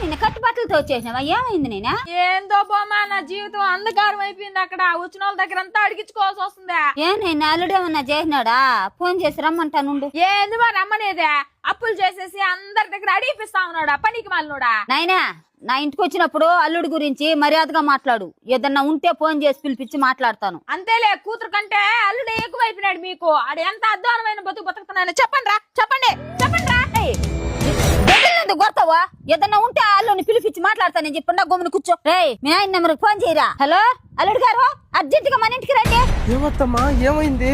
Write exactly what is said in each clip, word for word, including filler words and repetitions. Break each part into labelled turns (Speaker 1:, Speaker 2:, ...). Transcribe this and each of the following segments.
Speaker 1: ఏమైంది కట్టుబట్టలతో వచ్చేసినావా? ఏమైంది నేనా?
Speaker 2: ఏందో బొమ్మ నా జీవితం అంధకారం అయిపోయింది. అక్కడ వచ్చిన వాళ్ళ దగ్గర అంతా అడిగించుకోవాల్సి వస్తుందా?
Speaker 1: ఏ నేను అల్లుడేమన్నా చేసినాడా? ఫోన్ చేసి రమ్మంటానుండు.
Speaker 2: ఏంది మరి రమ్మనేదే? అప్పులు చేసేసి అందరి దగ్గర అడిగిపిస్తా ఉన్నాడా పనికి మాలినోడా?
Speaker 1: నాయనా నా ఇంటికి వచ్చినప్పుడు అల్లుడి గురించి మర్యాదగా మాట్లాడు. ఏదన్నా ఉంటే ఫోన్ చేసి పిలిపించి మాట్లాడతాను.
Speaker 2: అంతేలే, కూతురు కంటే అల్లుడే ఎక్కువైపోయినాడు మీకు. ఆడు ఎంత అధ్వానమైన బతుకు బతుకుతున్నాను చెప్పండి రా, చెప్పండి చెప్పండి రా.
Speaker 1: కొడతావా? ఏదన్నా ఉంటే అల్లుడిని పిలిపించి మాట్లాడతానని చెప్పండి. గమ్మున కూర్చో. రే మీ ఆయన నెంబర్ ఫోన్ చేయరా. హలో అల్లుడు గారు, అర్జెంట్ గా మన ఇంటికి రండి.
Speaker 3: ఏమత్తమ్మా ఏమైంది?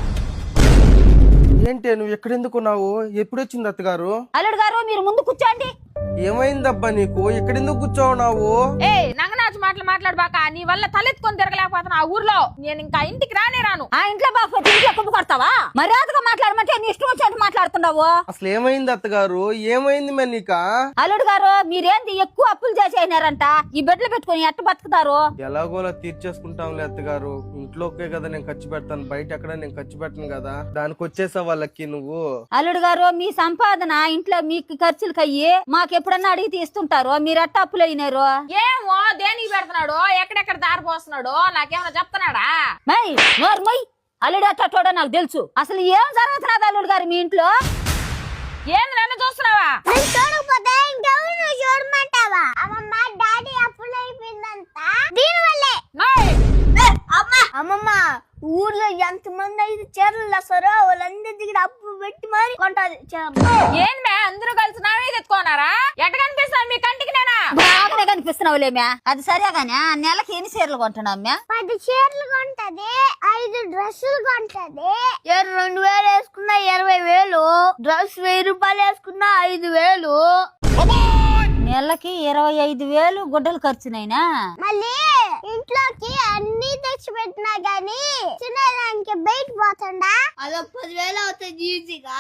Speaker 3: ఏంటి నువ్వు ఎక్కడెందుకున్నావు? ఎప్పుడొచ్చింది అత్తగారు?
Speaker 1: అల్లుడు గారు మీరు ముందు కూర్చోండి.
Speaker 3: ఏమైందబ్బా నీకు? ఎక్కడెందుకు కూర్చోవున్నావు?
Speaker 2: ఏ నంగనాచి మాటలు మాట్లాడబాక. నీ వల్ల తలెత్తుకొని తిరగలేకపోతున్నా ఆ ఊర్లో. నేను ఇంకా ఇంటికి రానే రాను.
Speaker 1: ఆ ఇంట్లో బాగా ఇంట్లో కుప్ప కొడతావా? మర్యాదగా మాట్లాడమంటే నీ ఇష్టం వచ్చినట్టు మాట్లాడుతున్నావు.
Speaker 3: అసలు ఏమైంది అత్తగారు? ఏమైంది మరి నీక?
Speaker 1: అల్లుడు గారు మీరేంది ఎక్కువ అప్పులు చేసేసినారంట. ఈ బెడ్లు పెట్టుకుని ఎట్ట బతుకుతారు?
Speaker 3: ఎలాగోలా తీర్చేసుకుంటాంలే అత్తగారు. ఇంట్లోకే కదా నేను ఖర్చు పెడతాను, బయట ఎక్కడ నేను ఖర్చు పెట్టను కదా. దానికి వచ్చేసా వాళ్ళకి నువ్వు.
Speaker 1: అల్లుడు గారు మీ సంపాదన ఇంట్లో మీకు ఖర్చులకి అయ్యి మాకు ఎప్పుడన్నా అడిగి తీస్తుంటారు. మీరు ఎట్ట అప్పులు అయినారు?
Speaker 2: ఏమో దేనికి పెడుతున్నాడు, ఎక్కడెక్కడ దారి పోస్తున్నాడు నాకేమైనా చెప్తున్నాడా?
Speaker 1: మై మై అల్లుడు అట్టోడో నాకు తెలుసు. అసలు ఏం జరుగుతున్నది అల్లుడు గారు మీ ఇంట్లో?
Speaker 2: ఏంది నన్ను చూస్తున్నావా?
Speaker 4: చూడకపోతే ఇంకెవరు చూడమంటావా? అమ్మమ్మ డాడీ అప్పులు అయిపోయిందంట దీనివల్లే. అమ్మమ్మ ఊర్లో ఎంత మంది అయితే చీరలు వస్తారో వాళ్ళందరి దగ్గర అప్పు పెట్టి మరి కొంటది.
Speaker 2: ఏంది మే అందరూ కలిసి నా మీద ఎత్తుకోనారా? ఎట్ట కనిపిస్తాను మీ కంటికి నేనా?
Speaker 1: బాగానే కనిపిస్తున్నావులేమ్యా. అది సరేగానే నెలకి ఎన్ని చీరలు కొంటున్నావు మ్యా?
Speaker 4: పది చీరలు కొంటది, ఐదు డ్రెస్సులు కొంటది. రెండు వేలు వేసుకున్నా ఇరవై వేలు, డ్రెస్ వెయ్యి రూపాయలు వేసుకున్నా ఐదు వేలు.
Speaker 1: నెలకి ఇరవై ఐదు వేలు గుడ్డలు ఖర్చునైనా.
Speaker 4: మళ్ళీ ఇంట్లోకి అన్ని తెచ్చి పెట్టినా గానీ చిన్నదానికి బయట పోతుండా అదో పదివేలు అవుతుంది ఈజీగా.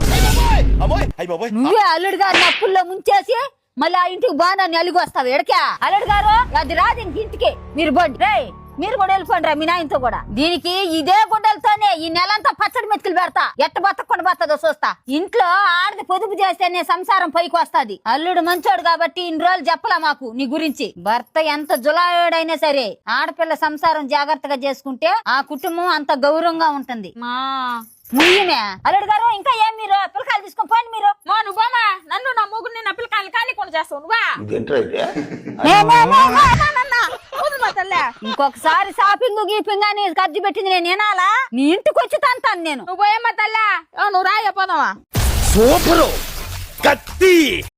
Speaker 1: నువ్వే అల్లుడు గారిని అప్పుల్లో ముంచేసి మళ్ళీ ఆ ఇంటికి బాగా అలిగి వస్తావు. ఎడకా అల్లుడు గారు అది రాదు ఇంక ఇంటికి. మీరు బండి రే మీరు కూడా వెళ్ళిపోండి రా మీ నాయనతో కూడా. దీనికి ఇదే గుడ్డలతోనే ఈ నెలంతా పచ్చడి మెతుకులు పెడతా. ఎట్ట బతకుండా బతదో చూస్తా. ఇంట్లో ఆడది పొదుపు చేస్తేనే సంసారం పైకి వస్తాది. అల్లుడు మంచోడు కాబట్టి ఇన్ని రోజులు చెప్పలా మాకు నీ గురించి. భర్త ఎంత జులాయుడైనా సరే ఆడపిల్ల సంసారం జాగ్రత్తగా చేసుకుంటే ఆ కుటుంబం అంత గౌరవంగా ఉంటుంది.
Speaker 2: మా
Speaker 1: ముయ్యమే అల్లుడు గారు ఇంకా ఏం మీరు పిల్లకాయలు తీసుకొని పోండి. మీరు
Speaker 2: మా నువ్వమ్మా నన్ను నా మొగుడిని నా పిల్లకాయలు ఖాళీ కొని చేస్తావు నువ్వా?
Speaker 1: ఇంకొకసారి షాపింగ్ గీపింగ్ అని ఖర్చు పెట్టింది నేను వినాలా? నీ ఇంటికి వచ్చి తంతాను నేను.
Speaker 2: నువ్వు పోయమ్మా తల్లా. నువ్వు రాయ పోదావా?
Speaker 5: సూపరు కత్తి